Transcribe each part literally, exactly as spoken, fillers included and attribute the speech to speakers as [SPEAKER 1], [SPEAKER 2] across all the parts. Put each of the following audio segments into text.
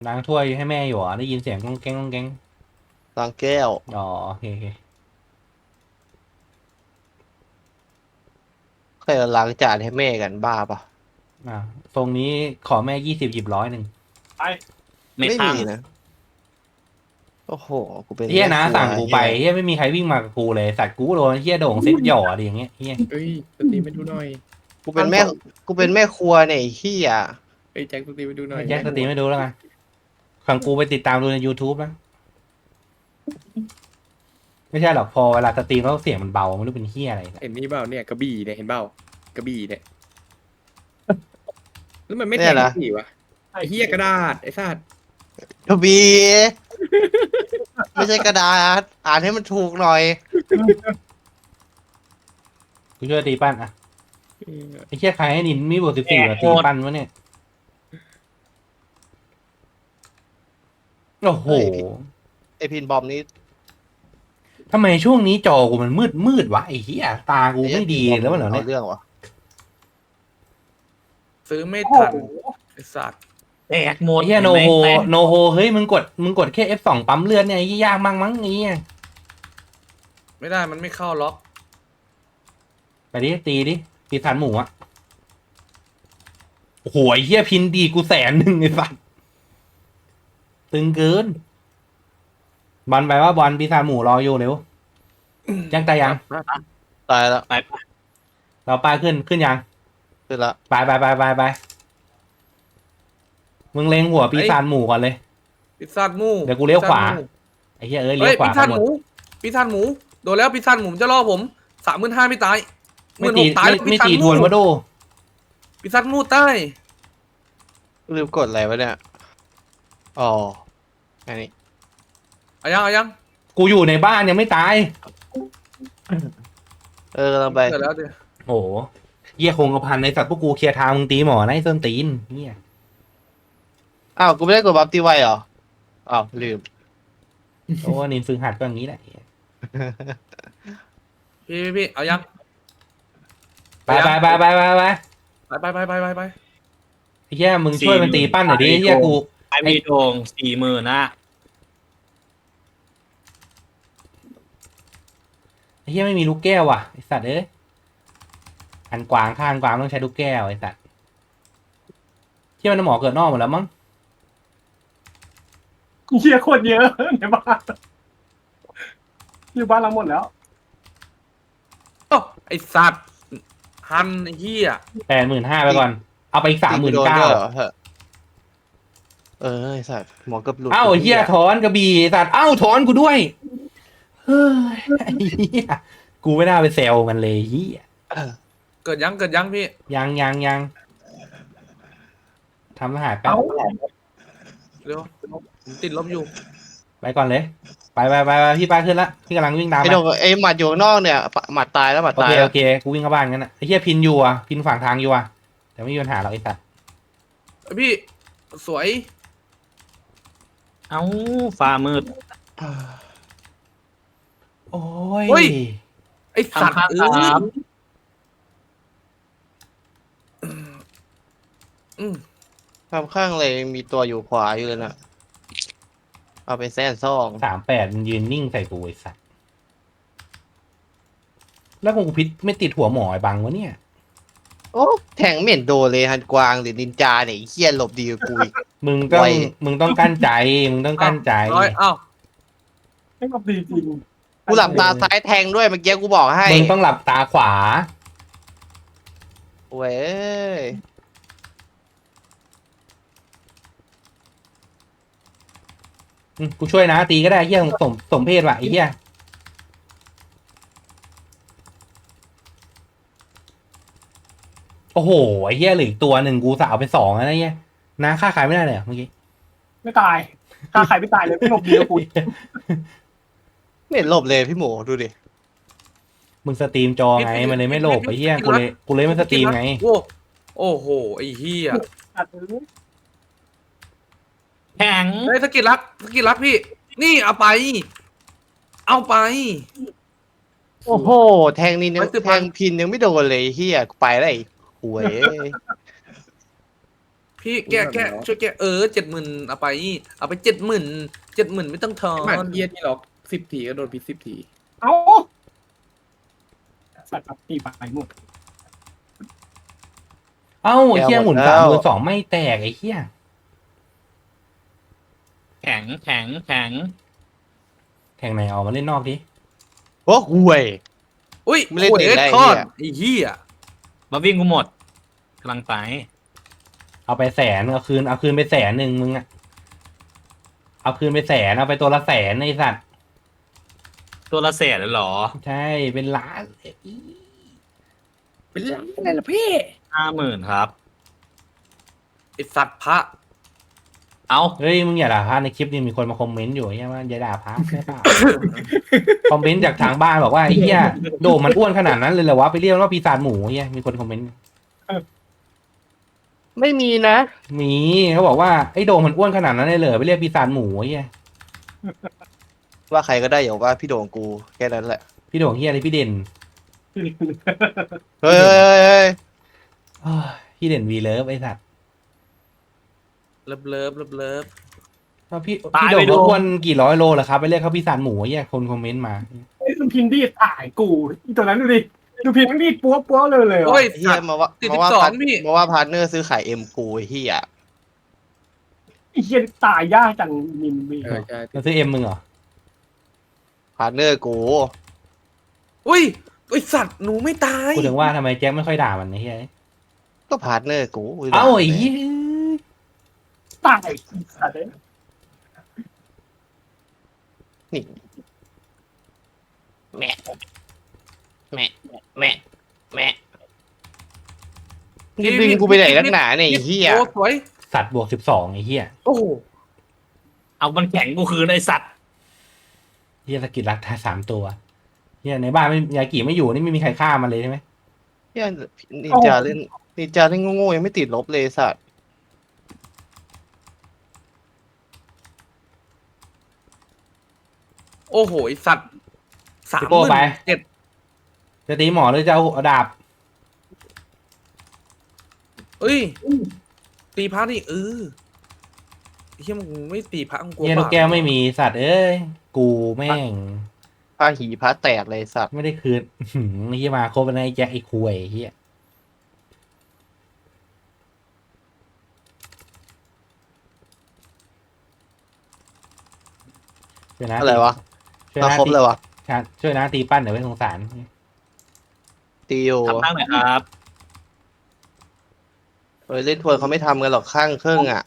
[SPEAKER 1] ล้างถ้วยให้แม่อยู่อ่ะได้ยินเสียงก้องแก้งก้องแก้ง
[SPEAKER 2] ล้างแก้ว
[SPEAKER 1] อ๋อโอเคโอเค
[SPEAKER 2] เคยล้างจานให้แม่กันบ้าปะ
[SPEAKER 1] อ่าทรงนี้ขอแม่ยี่สิบหยิบร้อยหนึ่ง
[SPEAKER 3] ไป
[SPEAKER 4] ไม่
[SPEAKER 2] ไม่มี
[SPEAKER 4] พัง
[SPEAKER 2] นะโอ้โหกูเป็น
[SPEAKER 1] เฮียนะ
[SPEAKER 2] แม่ครัว
[SPEAKER 1] สั่งกูไป
[SPEAKER 2] เฮีย
[SPEAKER 1] เฮียไม่มีใครวิ่งมากับกูเลยสัตว์กูโดนเฮียโด่งเซ็ตหย่ออะไรอย่างเงี้ยเฮีย
[SPEAKER 3] เอ้ยสตรีมไปดูหน่อย
[SPEAKER 2] กูเป็นแม่กูเป็นแม่ครัวเนี่ยไอ้เฮีย
[SPEAKER 3] เอ้ยแจ็คสตรีมไปดูหน่อย
[SPEAKER 1] แจ็คสตรีมไม่ดูแล้วกันขังกูไปติดตามดูใน YouTube นะไม่ใช่หรอกพอเวลาสตรีมแล้วเสียงมันเบาไม่รู้เป็นเฮียอะไร
[SPEAKER 3] เห็นนี่เปล่าเนี่ยกระบี่เนี่ยเห็นเปล่ากระบี่เนี่ยแล้วมันไม่แท
[SPEAKER 2] เนี่ย
[SPEAKER 3] ง
[SPEAKER 2] นะ
[SPEAKER 3] กระบี่วะไอ้เหี้ยกระดาษไอ้สัตว์
[SPEAKER 2] ทบีไม่ใช่กระดาษอ่านให้มันถูกหน่อย
[SPEAKER 1] กูช่วยตีปั้นอ่ะไอ้เฮียใครให้นินมีบทสิบสี่มาตีปั้นวะเนี่ยโอ้โห
[SPEAKER 2] ไอพินบอมนี้
[SPEAKER 1] ทำไมช่วงนี้จอกูมันมืดมืดวะไอ้เหี้ยตากูไม่ดีแล้วเหรอเนี่ย
[SPEAKER 2] เรื่องวะ
[SPEAKER 3] ซื้อไม่ทันไอ้สัตว์
[SPEAKER 4] แตกหมด
[SPEAKER 1] ไอ้เหี้ยโนโฮ
[SPEAKER 4] แตก
[SPEAKER 1] โนโฮเฮ้ยมึงกดมึงกดแค่ เอฟ สอง ปั๊มเลือดเนี่ยไอ้เหี้ยยากมั้งมั้งไอ้เหี้ย
[SPEAKER 3] ไม่ได้มันไม่เข้าล็อก
[SPEAKER 1] ไปดิตีดิปีศาจหมูอะโอ้โหไอ้เหี้ยพินดีกูแสนหนึ่งไอ้สัสตึงเกินบอลไปว่าบอลปีศาจหมูรออยู่เร็วแจ้งตายยัง
[SPEAKER 2] ตายแล้ว
[SPEAKER 4] ไปปะ
[SPEAKER 1] เราป้ายขึ้นขึ้นยัง
[SPEAKER 2] ขึ้นละ
[SPEAKER 1] ไปไปไปไปไปมึงเล็งหัวปีศาจหมูก่อนเลย
[SPEAKER 3] ปิซซ่าหมู
[SPEAKER 1] เดี๋ยวกูเลี้ยวขวา
[SPEAKER 3] ปิซซ่หมู
[SPEAKER 1] ไอ้เหี้ยเอ้ย
[SPEAKER 3] เฮ้
[SPEAKER 1] เลี้ย
[SPEAKER 3] ยว
[SPEAKER 1] ขวา
[SPEAKER 3] ปิซซ่า
[SPEAKER 1] กันหม
[SPEAKER 3] ห
[SPEAKER 1] ด
[SPEAKER 3] มูปิซซ่าหมูโดนแล้วปิซซ่าหมูมันจะล่อผมสามหมื่นห้าไม่ตายห
[SPEAKER 1] ไม่
[SPEAKER 3] มื่นห
[SPEAKER 1] ตี
[SPEAKER 3] กตาย
[SPEAKER 1] ไม่
[SPEAKER 3] แล้ว
[SPEAKER 1] ไม่
[SPEAKER 3] ปิซซ่า
[SPEAKER 1] ตี
[SPEAKER 3] ห
[SPEAKER 1] ท
[SPEAKER 3] มู
[SPEAKER 1] วนวะโด
[SPEAKER 3] ปิซซ่าหมูใต้
[SPEAKER 2] ลืมกดอะไรวะเนี่ยอ๋ออันนี้
[SPEAKER 3] เอายังเอายัง
[SPEAKER 1] กูอยู่ในบ้านยังไม่ตาย
[SPEAKER 2] เออกำลังไป
[SPEAKER 3] เกิดแล้วดิ
[SPEAKER 1] โอ้โหเหี้ยคงกระพันในสัตว์พวกกูเคลียร์ทางมึงตีหมอนะไอ้ส้นตีนเหี้ย
[SPEAKER 2] อ้าวกูไม่ได้กดบัฟตีไวเหรออ้าวลืม
[SPEAKER 1] โอ้นินฝึกหัดก็อย่างนี้แหละ
[SPEAKER 3] พี่พี่พี่เอายัง
[SPEAKER 1] ไปไปไปไปไปไป
[SPEAKER 3] ไปไปไปไปไปไป
[SPEAKER 1] ไอ้เหี้ยมึงช่วยมันตีปั้นหน่อยดิไอ้เหี้ยกู
[SPEAKER 4] ไอมีโดงสี่หมื่นนะ
[SPEAKER 1] ไอ้เหี้ยไม่มีลูกแก้วว่ะไอ้สัตว์เอ้ยหันกวางข้างกวางต้องใช้ลูกแก้วไอ้สัตว์เหี้ยมันหมอเกิดนอกหมดแล้วมั้ง
[SPEAKER 5] เชี่ยโคตรเยอะในบ้านอยู่บ้านเราหมดแล้ว
[SPEAKER 3] โอ้ไอสัตว์ฮันไอ้เหี้ย
[SPEAKER 1] แปดหมื่นห้าไปก่อนเอาไปอีกสามหมื่น
[SPEAKER 2] โดน
[SPEAKER 1] เก้า
[SPEAKER 2] ด้วยเหรอเออไอ้สัตว์หมอกับหลุด
[SPEAKER 1] เอ้าไอ้เหี้ยถอนกระบี่ไอ้สัตว์เอ้าถอนกูด้วยเฮ้ยไอ้เหี้ยกูไม่น่าไปแซวมันเลยเหี้ย
[SPEAKER 3] เกิดยังเกิดยังพี่
[SPEAKER 1] ยังยังยังทำรหัสแป๊บ
[SPEAKER 5] เอ้า
[SPEAKER 3] เร็วผมติดลบอยู่
[SPEAKER 1] ไปก่อนเลย ไปไปไปไปพี่ป้าขึ้นละพี่กำลังวิ่งตาม
[SPEAKER 2] ไอ้
[SPEAKER 1] ไป
[SPEAKER 2] โดนไอ้หมัดอยู่ข้างนอกเนี่ยหมัดตายแล้วหมัด
[SPEAKER 1] โอ
[SPEAKER 2] ตาย
[SPEAKER 1] เค
[SPEAKER 2] แล้ว
[SPEAKER 1] โอเคกูวิ่งเข้าบ้านกันนะไอ้เหี้ยพินอยู่อ่ะพินฝั่งทางอยู่อ่ะแต่ไม่มีปัญหาหรอกไอ้สัตว์
[SPEAKER 3] เอ้ยพี่สวย
[SPEAKER 4] เอ้าฟ้ามืด
[SPEAKER 1] โอ้ย
[SPEAKER 3] ไอสัตว์
[SPEAKER 4] ทำข้าง
[SPEAKER 3] เอ้
[SPEAKER 4] สาย ม
[SPEAKER 3] อืม
[SPEAKER 2] ทำข้างเลยมีตัวอยู่ขวาอยู่เลยนะเอาไปแซนซ่อง
[SPEAKER 1] สามแปดมันยืนนิ่งใส่กูไอ้สัตว์แล้วกูพิษไม่ติดหัวหมอไอ้บังวะเนี่ย
[SPEAKER 2] โอ้แทงเหม็นโดนเลยฮันกวางหรือนินจาเนี่ยไอ้เฮี้ยหลบดีกว่ากูอีก
[SPEAKER 1] มึงต้อง
[SPEAKER 2] ไว
[SPEAKER 1] มึงต้องกั้นใจมึงต้องกั้นใจ
[SPEAKER 3] ร้อยเอ้า
[SPEAKER 5] ไม่กดีจริง
[SPEAKER 2] กูหลับตาซ้ายแทงด้วยเมื่อกี้กูบอกให้
[SPEAKER 1] มึงต้องหลับตาขวา
[SPEAKER 2] เว้ย
[SPEAKER 1] อืมกูช่วยนะตีก็ได้ไอ้เหี้ยสมสมเพศว่ะไอ้เหี้ยโอ้โหไอ้เหี้ยเหลืออีกตัวหนึ่งกูสาวไปสองแล้วนะไอ้เหี้ยนะฆ่าใครไม่ได้เลยเหรอเมื่อกี้
[SPEAKER 5] ไม่ตายถ้าใครไม่ตายเลยไม่หลบดีกับกู
[SPEAKER 2] ไม่เห็นหลบเลยพี่หมูดูดิ
[SPEAKER 1] มึงสตรีมจอไงมันเลยไม่โหลบไอ้เหี้ยกูเลยกูเลยไม่สตรีมไง
[SPEAKER 3] โอ้โอ้โหไอ้เหี้ย
[SPEAKER 5] ตัดเลย
[SPEAKER 4] แข็ง
[SPEAKER 3] เฮ้ยสกิลรักสกิลรักพี่ นี่เอาไป เอาไป
[SPEAKER 2] โอ้โหแทงนี่ยัง
[SPEAKER 3] ไว้สิบ
[SPEAKER 2] แท
[SPEAKER 3] พัน
[SPEAKER 2] งพินยังไม่โดนเลยเฮี้ยกูไปแล้วไอ้หวย
[SPEAKER 3] พี่แกะแกะช่วยแกะเออเจ็ดหมื่นเอาไปเอาไปเจ็ดหมื่นเจ็ดหมื่นไม่ต้องทอ
[SPEAKER 6] หมัด
[SPEAKER 3] น
[SPEAKER 6] เยียนี่หรอกสิบทีก็โดนพิษสิบที
[SPEAKER 5] เอ้าสัตว์แบบตีไปหมด
[SPEAKER 1] เอ้าไอ้เหี้ยหมุนสามหมื่นสองไม่แตกไอ้เหี้ย
[SPEAKER 4] แข็งแข็งแข็ง
[SPEAKER 1] แข่งไหนออกมาเล่นนอกดิ
[SPEAKER 2] โอ้ห่วย
[SPEAKER 3] อุ้ย
[SPEAKER 2] ไม่เล่น
[SPEAKER 3] โอ้ย
[SPEAKER 2] เด็กได้
[SPEAKER 3] ทอด
[SPEAKER 2] ไอ้
[SPEAKER 3] ไอ้เหี้ย
[SPEAKER 4] มาวิ่งกูหมดกำลังไป
[SPEAKER 1] เอาไปแสนเอาคืนเอาคืนไปแสนหนึ่งมึงอะเอาคืนไปแสนเอาไปตัวละแสนไอ้สัตว์
[SPEAKER 4] ตัวละแสนเลยเหรอ
[SPEAKER 1] ใช่เป็นล้าน
[SPEAKER 6] เป็นไรอะไรล่ะพี่
[SPEAKER 4] ห้าหมื่นครับ
[SPEAKER 3] ไอ้สัตว์พระ
[SPEAKER 4] เอา
[SPEAKER 1] เฮ้ยมึงอย่าด่าพระในคลิปนี้มีคนมาคอมเมนต์อยู่ใช่ไหมอย่าด่าพระใช่เปล่า คอมเมนต์จากทางบ้านบอกว่าไอ้เหี้ยโดมมันอ้วนขนาดนั้นเลยเหรอวะไปเรียกว่าปีศาจหมูเหี้ยมีคนคอมเมนต์
[SPEAKER 2] ไม่มีนะ
[SPEAKER 1] มีเขาบอกว่าไอ้โดมมันอ้วนขนาดนั้นเลยเหรอไปเรียกปีศาจหมูเหี้ย
[SPEAKER 2] ว่าใครก็ได้อย่าว่าพี่โด่งกูแค่นั้นแหละ
[SPEAKER 1] พี่โด่งเหี้ยอะไรพี่เด่น
[SPEAKER 2] เฮ้ยเฮ้ยเฮ้ยเฮ้ย
[SPEAKER 1] เฮ้ยพี่เด่นวีเลิฟไอ้สัตว์
[SPEAKER 3] เลิฟเลิฟเลิฟเลิฟ
[SPEAKER 1] ว่าพี่พี่โด่งเขาอ้วนกี่ร้อยโลเหรอครับไปเรียกเขาปีศาจหมูเหี้ยคนคอมเมนต์มา
[SPEAKER 5] ไอ้ดูพินดี้ตายกูอีตัวนั้นดูดิดูพินมันดีดปัวปัวเลยเลย
[SPEAKER 3] โอ้ย
[SPEAKER 2] เฮียมาว่า
[SPEAKER 3] ติด
[SPEAKER 2] มาว่า
[SPEAKER 3] สิบสอง
[SPEAKER 2] พาร์ท
[SPEAKER 3] พี่
[SPEAKER 2] มาว่าพาร์ทเนอร์ซื้อขายเอ็มกูไอ้เฮีย
[SPEAKER 5] ไอ้เฮียตายยากจังมินมี
[SPEAKER 6] เออใช่
[SPEAKER 1] มาซื้อเอ็มมึงเหรอ
[SPEAKER 2] พาร์ทเนอร์กู
[SPEAKER 3] อุ้ยไอ้สัตว์หนูไม่ตาย
[SPEAKER 1] พูดถึงว่าทำไมแจ็คไม่ค่อยด่ามันไอ้เหี้ย
[SPEAKER 2] ก็พาร์ทเนอร์กู
[SPEAKER 1] เอ้าไอ้เหี้ย
[SPEAKER 5] ตายสัตว์เลย
[SPEAKER 2] นี่แม่แม่แม่แม่นี่ดึงกูไปไหนนักหนาเนี่ยไอ้เฮีย
[SPEAKER 3] โอ้สวย
[SPEAKER 1] สัตว์บวกสิบสองไอ้เหี้ย
[SPEAKER 3] โอ้โห
[SPEAKER 4] เอามันแข็งกูคืนไอสัตว์
[SPEAKER 1] เหี้ยสกิลรักทายสามตัวเหี้ยในบ้านไม่ยากิไม่อยู่นี่ไม่มีใครฆ่ามันเลยใช่ไหม
[SPEAKER 2] เฮียนินจาเล่นนินจาเล่นโง่ๆยังไม่ติดลบเลยสัตว์
[SPEAKER 3] โอ้โหไอ้สัตว์สาม
[SPEAKER 1] พี่
[SPEAKER 3] ห
[SPEAKER 1] โก้
[SPEAKER 3] มื่น
[SPEAKER 1] ไป
[SPEAKER 3] เจ็ด
[SPEAKER 1] จะตีหมอหรือจะเอาดาบ
[SPEAKER 3] เอ้ยตีพระนี่เออไอ้เหี้ยมึงไม่ตีพระมึงกลัว
[SPEAKER 1] เหี้ยลูก
[SPEAKER 3] บาป
[SPEAKER 1] แก้วไม่มีสัตว์เอ้ยกูแม่ง
[SPEAKER 2] ผ้าหีผ้าแตกเลยสัตว์
[SPEAKER 1] ไม่ได้คืน หืมไอ้เหี้ยมาครบแล้วนะไอ้แจ็คไอ้คุยไอ้เหี้ยช่วยนะ
[SPEAKER 2] อะไรวะ
[SPEAKER 1] ช่วย
[SPEAKER 2] มา
[SPEAKER 1] นะ
[SPEAKER 2] ครบเลยวะ
[SPEAKER 1] ตีช่วยนะตีปั้นเดี๋ยวไม่สงสาร
[SPEAKER 2] ตีโอ
[SPEAKER 4] ทำตั้งหน่อยครับ
[SPEAKER 2] เฮ้ยเล่นทวนเขาไม่ทำกันหรอกข้างเครื่องอ่ะ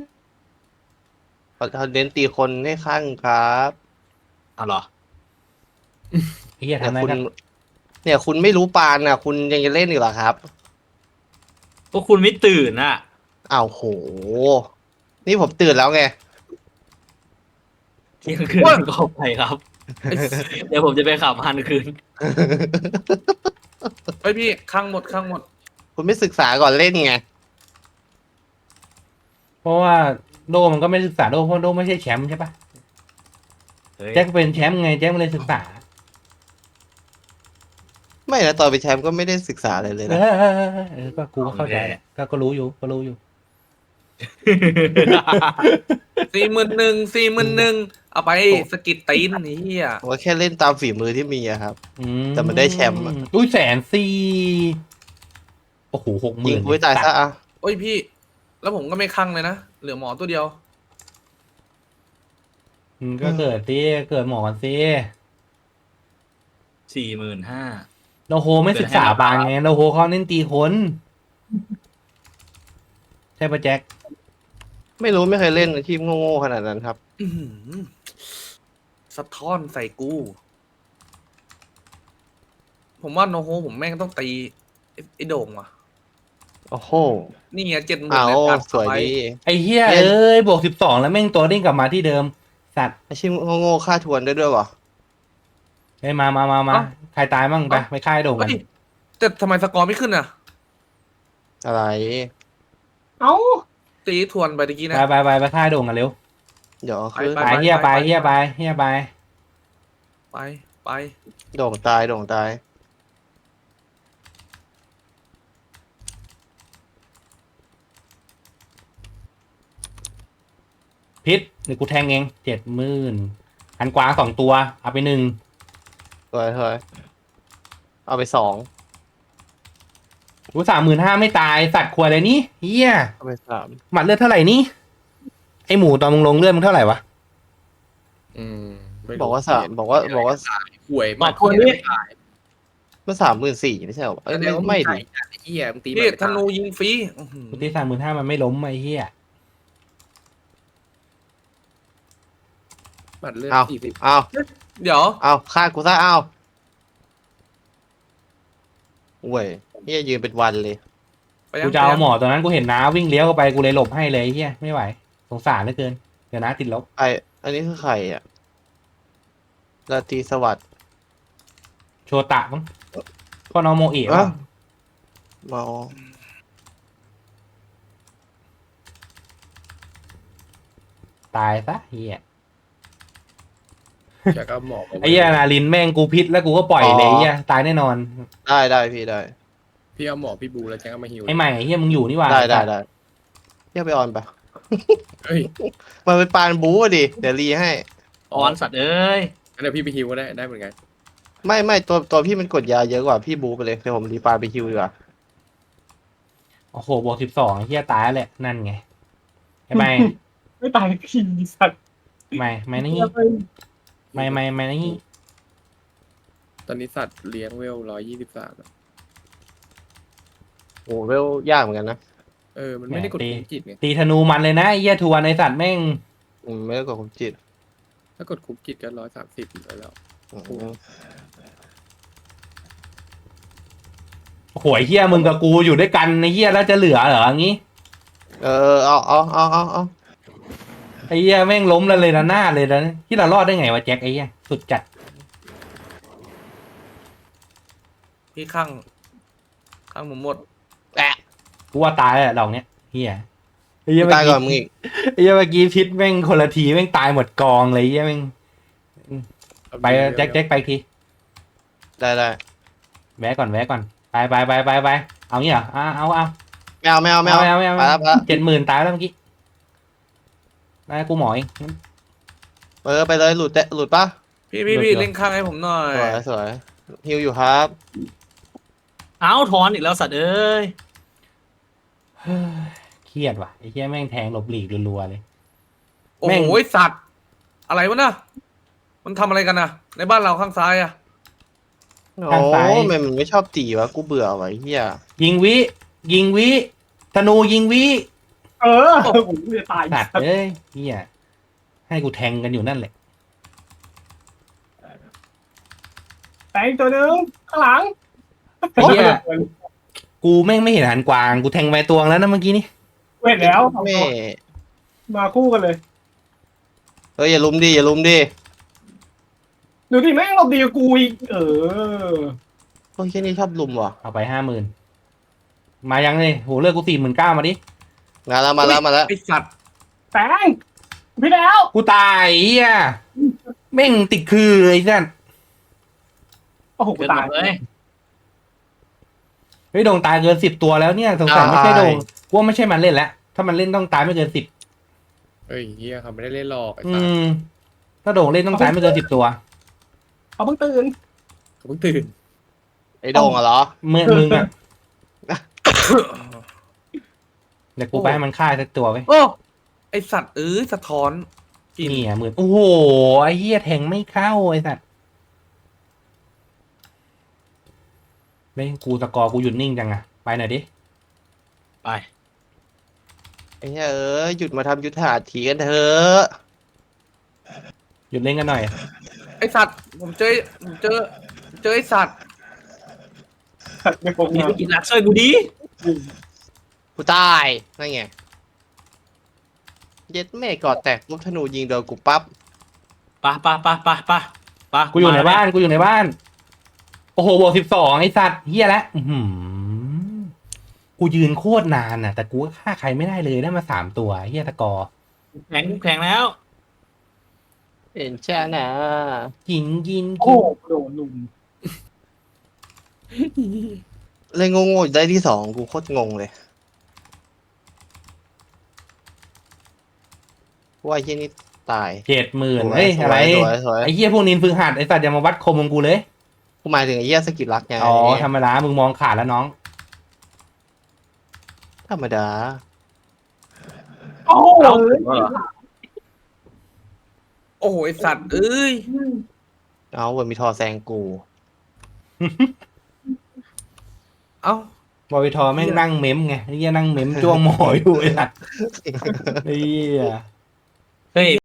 [SPEAKER 2] เขาเขาเน้นตีคนให้ข้างครับ
[SPEAKER 4] เอาเหรอ
[SPEAKER 1] ไอ้เหี้ย
[SPEAKER 2] เนี่ย
[SPEAKER 1] ทำได้
[SPEAKER 2] คุณ
[SPEAKER 1] ก็
[SPEAKER 2] เนี่ยคุณไม่รู้ปานอ่ะ คุณยังจะเล่นอีกเหรอครับ
[SPEAKER 4] พวกคุณไม่ตื่นอ่ะ
[SPEAKER 2] อ้าวโห นี่ผมตื่นแล้วไง
[SPEAKER 4] เที่ยงคืนก็ไปครับ เดี๋ยวผมจะไปขับฮันคืน
[SPEAKER 3] เฮ้ยพี่ข้างหมดข้างหมด
[SPEAKER 2] คุณไม่ศึกษาก่อนเล่นไง
[SPEAKER 1] เพราะว่าโดมันก็ไม่ศึกษาโดเพราะโดไม่ใช่แชมป์ใช่ปะ
[SPEAKER 4] เฮ้ย
[SPEAKER 1] แจ็คเป็นแชมป์ไงแจ็คไม่ได้ศึกษา
[SPEAKER 2] ไม่นะตอนไปนแชมป์ก็ไม่ได้ศึกษาอะไรเลย
[SPEAKER 1] เอ
[SPEAKER 2] นะ
[SPEAKER 1] อเออเออเออก็กูก็เข้าใจแหละก็ก็รู้อยู่ก็รู้อยู่
[SPEAKER 3] สี่หมื่นหนึ่งสี่หมื่นหนึ่งเอาไปสกิดตีนนี่เหี้ย
[SPEAKER 2] ผมว่าแค่เล่นตามฝีมือที่มีอะครับ
[SPEAKER 1] อื
[SPEAKER 2] แต่มันได้แชมป์อะ
[SPEAKER 1] อุ้ยแสนสี่โอ้โหหกห
[SPEAKER 2] ยิ
[SPEAKER 1] มื่
[SPEAKER 2] ง
[SPEAKER 1] น
[SPEAKER 2] กูให้ตายซะอ่ะ
[SPEAKER 3] โอ้ยพี่ แล้วผมก็ไม่ข้างเลยนะเหลือหมอตัวเดียว
[SPEAKER 1] อืมก็เกิดสิเกิดหมอกันสิ
[SPEAKER 4] สี่หมื่นห้า
[SPEAKER 1] โนโฮไม่ศึกษาบางไงโนโฮเขาเน้นตีคนใช่ปะแจ็ค
[SPEAKER 2] ไม่รู้ไม่เคยเล่นอาชีพโง่ๆขนาดนั้นครับ
[SPEAKER 3] อื้อหือสะท้อนใส่กู ผมว่าโนโฮผมแม่งต้องตีไอ้ไอ้โด่งว่ะ
[SPEAKER 2] โอ้โห
[SPEAKER 3] นี่ไงเจ็ดหมื่น
[SPEAKER 2] เอา
[SPEAKER 3] แล้วกัน
[SPEAKER 2] สวยดี
[SPEAKER 1] ไอ้เฮีย
[SPEAKER 2] เย็น
[SPEAKER 1] เอ้ยบวกสิบสองแล้วแม่งตัวเด้งกลับมาที่เดิม สัตว์
[SPEAKER 2] อาชีพโง่ๆค่าทวนได้ด้วยวะ
[SPEAKER 1] เฮ้ยมามามามาใครตายมั่งไปไปค่ายโด่งกัน
[SPEAKER 3] เฮ้ยแต่ทำไมสกอร์ไม่ขึ้นอ่ะ
[SPEAKER 2] อะไร
[SPEAKER 5] เอ้า
[SPEAKER 3] ตีทวนไปตะกี้
[SPEAKER 1] ไป
[SPEAKER 3] นะ
[SPEAKER 1] ไปไปไปค่ายโด่งกันเร็ว
[SPEAKER 2] เดี๋ยวคือ
[SPEAKER 3] ไป
[SPEAKER 1] ไปเฮียไปเฮียไปเฮียไป
[SPEAKER 3] ไปไป
[SPEAKER 2] โด่งตายโด่งตาย
[SPEAKER 1] พิษเดี๋ยวกูแทงเองเจ็ดหมื่นหันกวางสองตัวเอาไปหนึ่ง
[SPEAKER 2] สวยสวยเอาไปสอง
[SPEAKER 1] กูสามหมื่นห้าไม่ตายสัตว์ขวดเลยนี่เฮีย
[SPEAKER 2] เอาไปสาม
[SPEAKER 1] หมัดเลือดเท่าไหร่นี่ไอหมูตอนมึงลงเลือดมึงเท่าไหร่วะ
[SPEAKER 6] อืมไม่รู้
[SPEAKER 2] บอกว่าสามบอกว่าบอกว่า
[SPEAKER 6] ห่วย
[SPEAKER 4] บอกคนนี้
[SPEAKER 2] เมื่อสามหมื่นสี่ไม่ใช่เหรอเอ้ยไม่ไม่ดิ
[SPEAKER 6] ไอ้เหี้ยมึงตี
[SPEAKER 3] พี่ธนูยิงฟรีอื้อหือ
[SPEAKER 1] กูตีสามหมื่นห้ามันไม่ล้มไอเฮีย
[SPEAKER 6] บัตรเลือด
[SPEAKER 2] เอา
[SPEAKER 6] สี่สิบ
[SPEAKER 2] เอา
[SPEAKER 3] เดี๋ยว
[SPEAKER 2] เอาฆ่ากูซะเอาเว้ยเฮียยืนเป็นวันเลย
[SPEAKER 3] ไปยัง
[SPEAKER 1] กูจะเอา
[SPEAKER 3] ไปยัง
[SPEAKER 1] หมอตอนนั้นกูเห็นน้าวิ่งเลี้ยวเข้าไปกูเลยหลบให้เลยไอ้เฮียไม่ไหวสงสารเหลือเกินเดี๋ยวน้าติดลบ
[SPEAKER 2] ไออันนี้คือใครอ่ะราตรีสวัสดิ์
[SPEAKER 1] โชตะมั้งพ่อน้องโมเอะ
[SPEAKER 2] เอ้า
[SPEAKER 1] ป่ะ
[SPEAKER 2] เมา
[SPEAKER 1] ตายซะเฮีย
[SPEAKER 6] อยากเอาหมอก
[SPEAKER 1] ไอ้เฮียนาลินแม่งกูพิษแล้วกูก็ปล่อยเลยไอ้เฮียตายแน่นอน
[SPEAKER 2] ได้ได้พี่ได้
[SPEAKER 6] พี่เอาหมอกพี่บูแล้วแจ้งเอามาฮิว
[SPEAKER 1] ไอ้ใหม่ไอ้เฮียมึงอยู่นี่หว่า
[SPEAKER 2] ได้ได้ได้เฮียไปออนปะ
[SPEAKER 6] เฮ้ย
[SPEAKER 2] มันเป็นปานบู๊อะดิเดี๋ยวรีให้
[SPEAKER 4] ออนสัตว์เอ้ย
[SPEAKER 6] งั้นเดี๋ยวพี่ไปฮิวก็ได้ได้เหมือนกัน
[SPEAKER 2] ไม่ไม่ตัวตัวพี่มันกดยาเยอะกว่าพี่บู๊ไปเลยเดี๋ยวผมรีปานไปคิวดีกว่า
[SPEAKER 1] โอ้โหบวกสิบสองไอ้เฮียตายแล้วแหละนั่นไงไอ้ใหม่
[SPEAKER 5] ไม่ตายขี้สัตว์
[SPEAKER 1] ใหม่ใหม่นี่ใหม่ใหม่ใหม่นี่
[SPEAKER 6] ตอนนี้สัตว์เลี้ยงเวลร้อยยี่สิบสาม
[SPEAKER 2] โอ้เวลยากเหมือนกันนะ
[SPEAKER 6] เออมันไม่ได้กดคุมจิตไง
[SPEAKER 1] ตีธนูมันเลยนะไอ้เฮียทวนไอสัตว์แม่ง
[SPEAKER 2] อืมไม่ได้กดความจิต
[SPEAKER 6] ถ้ากดคุมจิตก็ร้อยสามสิบเลยแล้ว
[SPEAKER 2] อืม
[SPEAKER 1] โอ้โหไอ้เฮียมึงกับกูอยู่ด้วยกันไอ้เฮียแล้วจะเหลือเหรออย่างงี้
[SPEAKER 2] เออเอาเอาเอาเอาเอา
[SPEAKER 1] ไอ้เฮียแม่งล้มแล้วเลยนะหน้าเลยนะที่เรารอดได้ไงวะแจ็คไอ้เฮียสุดจัด
[SPEAKER 3] พี่ข้างข้างผมหมด
[SPEAKER 2] แอะ
[SPEAKER 1] กูว่าตายแล้วดอกเนี้ยเฮียไอ้เฮีย
[SPEAKER 2] ตาย
[SPEAKER 1] เมื่อ
[SPEAKER 2] ก่อนมึง
[SPEAKER 1] กี้
[SPEAKER 2] อีก
[SPEAKER 1] ไอ้เฮียเมื่อกี้พิษแม่งคนละทีแม่งตายหมดกองเลยไอ้เฮียแม่งไปแจ็คแจ็คไปอีกที
[SPEAKER 2] ได้ได้
[SPEAKER 1] แวะก่อนแวะก่อนไปไปไปไปไปเอางี้เหรออ่ะเอาเอา
[SPEAKER 2] ไม่เอาไม่เอาไม่เอา
[SPEAKER 1] ไม่เอาไม่เอา
[SPEAKER 2] ไปแล้วไปแล้ว
[SPEAKER 1] เจ็ดหมื่นตายแล้วเมื่อกี้ได้กูหมอเอง
[SPEAKER 2] เออไปเลยหลุดแตะหลุดปะ
[SPEAKER 3] พี่พี่
[SPEAKER 1] หมด
[SPEAKER 3] พี่
[SPEAKER 1] เหรอ
[SPEAKER 3] เล่นข้างให้ผมหน่อย
[SPEAKER 2] สวยสวยฮิวอยู่ครับ
[SPEAKER 4] เอาถอนอีกแล้วสัตว์เอ้ย
[SPEAKER 1] เฮ้ยเครียดว่ะไอ้เฮียแม่งแทงหลบหลีกรัวๆเลย
[SPEAKER 3] โอ้
[SPEAKER 1] แม่ง
[SPEAKER 3] โหสัตว์ อะไรวะน่ะมันทำอะไรกันนะในบ้านเราข้างซ้ายอะ
[SPEAKER 2] โอ้แม่งมันไม่ชอบตีวะกูเบื่อวะไอ้เฮีย
[SPEAKER 1] ยิงวิ ยิงวิธนูยิงวิ
[SPEAKER 5] เออผมจะตาย
[SPEAKER 1] สัตว์เอ้ยเฮียให้กูแทงกันอยู่นั่นแหละ
[SPEAKER 5] แตงตัวหนึงข้างหลัง
[SPEAKER 1] ไอ้เฮียกูแม่งไม่เห็นหันกวางกูแทงไปตวงแล้วนะเมื่อกี้นี่
[SPEAKER 5] เว้นแล้วสอง
[SPEAKER 2] แม่
[SPEAKER 5] ตัวมาคู่กันเลย
[SPEAKER 2] เฮ้ยอย่าลุมดิอย่าลุมดิ
[SPEAKER 5] ดูดิแม่งเราดีกว่ากูอีกเออ
[SPEAKER 2] พวกแค่นี้ชอบลุมว่ะ
[SPEAKER 1] เอาไปห้าหมื่นมายังเลยโหเลือกกูสี่หมื่นเก้ามาดิ
[SPEAKER 2] มาแล้วมาแล้วมาแล้ว
[SPEAKER 3] ไอสัตว์
[SPEAKER 5] แตงพี่แล้ว
[SPEAKER 1] กูตายเฮียแม่งติดคือไอ้นั่น
[SPEAKER 5] โอ้โหกู
[SPEAKER 4] เกินหม
[SPEAKER 5] ตาย
[SPEAKER 4] ดเลย
[SPEAKER 1] เฮ้ยโดงตายเกินสิบตัวแล้วเนี่ยสงสัยไม่ใช่โดงกูว่าไม่ใช่มันเล่นแล้วถ้ามันเล่นต้องตายไม่เกินสิบ
[SPEAKER 6] เฮ้ยเฮียเขาไม่ได้เล่นหรอกไอ้
[SPEAKER 1] อื
[SPEAKER 6] สัตว์
[SPEAKER 1] มถ้าโด่งเล่นต้องตายไม่เกินสิบตัว
[SPEAKER 5] เขาเพิ่งตื่น
[SPEAKER 6] เขาเพิ่งตื่น
[SPEAKER 2] ไอ้โดงอะเหรอ
[SPEAKER 1] เมื่อมึงอะเดี๋ยวกูไปให้มันฆ่าสักตัวไว้
[SPEAKER 3] โอ้ไอสัตว์เอ้ยสะท้อนกิน
[SPEAKER 1] นี่อ่ะหมื่นโอ้โหไอ้เหี้ยแทงไม่เข้าไอ้สัตว์เล่นกูสกอร์กูหยุดนิ่งจังอะไปหน่อยดิ
[SPEAKER 4] ไป
[SPEAKER 2] ไอ้เหี้ยเอ้ยหยุดมาทำยุทธหัตถีกันเถอะ
[SPEAKER 1] หยุดเล่นกันหน่อย
[SPEAKER 3] ไอสัตว์ผมเจอผมเจอเจอไอสัตว์
[SPEAKER 5] ไม่โกง
[SPEAKER 4] มี
[SPEAKER 5] มา
[SPEAKER 4] ธุรกิจรักช่วยกูดี
[SPEAKER 2] กูตายนั่นไงเย็ดแม่กอดแตกลูกธนูยิงโดนกูปั๊บ
[SPEAKER 4] ปะปะปะปะปะปะ
[SPEAKER 1] กูอยู่ในบ้านกูอยู่ในบ้าน โอ้โหบวกสิบสองไอ้สัตว์เหี้ยแล้วอื้อหือกูยืนโคตรนานน่ะ แต่กูก็ฆ่าใครไม่ได้เลยได้มาสามตัวเหี้ยสกอร์
[SPEAKER 4] แข็งแข็งแล้ว
[SPEAKER 2] เห็นชานะ
[SPEAKER 1] ยิงยิง
[SPEAKER 5] โอ้
[SPEAKER 1] ยิ
[SPEAKER 5] โห
[SPEAKER 1] ง
[SPEAKER 5] โดนลุม
[SPEAKER 2] เล่นโง่ๆได้ที่สองกูโคตรงงเลยว่าไอ้เหี้ยนี่ตาย
[SPEAKER 1] เจ็ดหมื่น
[SPEAKER 2] สวย
[SPEAKER 1] เฮ้ย
[SPEAKER 2] สวย
[SPEAKER 1] อะไร
[SPEAKER 2] สวยสวย
[SPEAKER 1] ไอ้เหี้ยพวกนินฝึกหัดไอ้สัตว์อย่ามาวัดคมของกูเลย
[SPEAKER 2] กูหมายถึงไอ้เหี้ยสกิลรักไง
[SPEAKER 1] อ๋อธรรมดามึงมองขาดแล้วน้อง
[SPEAKER 2] ธรรมดา
[SPEAKER 5] โอ้โห
[SPEAKER 4] เอ้าเหรอ
[SPEAKER 3] โอ้โหไอสัตว์เอ้ย
[SPEAKER 2] เอาเวอร์มีทอแซงกู
[SPEAKER 3] เอ้า
[SPEAKER 1] บอยทอแม่งนั่งเม้มไงไอ้เหี้ยนั่งเม้มจ้วงหมออยู่ไอ้สัตว์ไอ้เหี้ย
[SPEAKER 4] เฮ้ย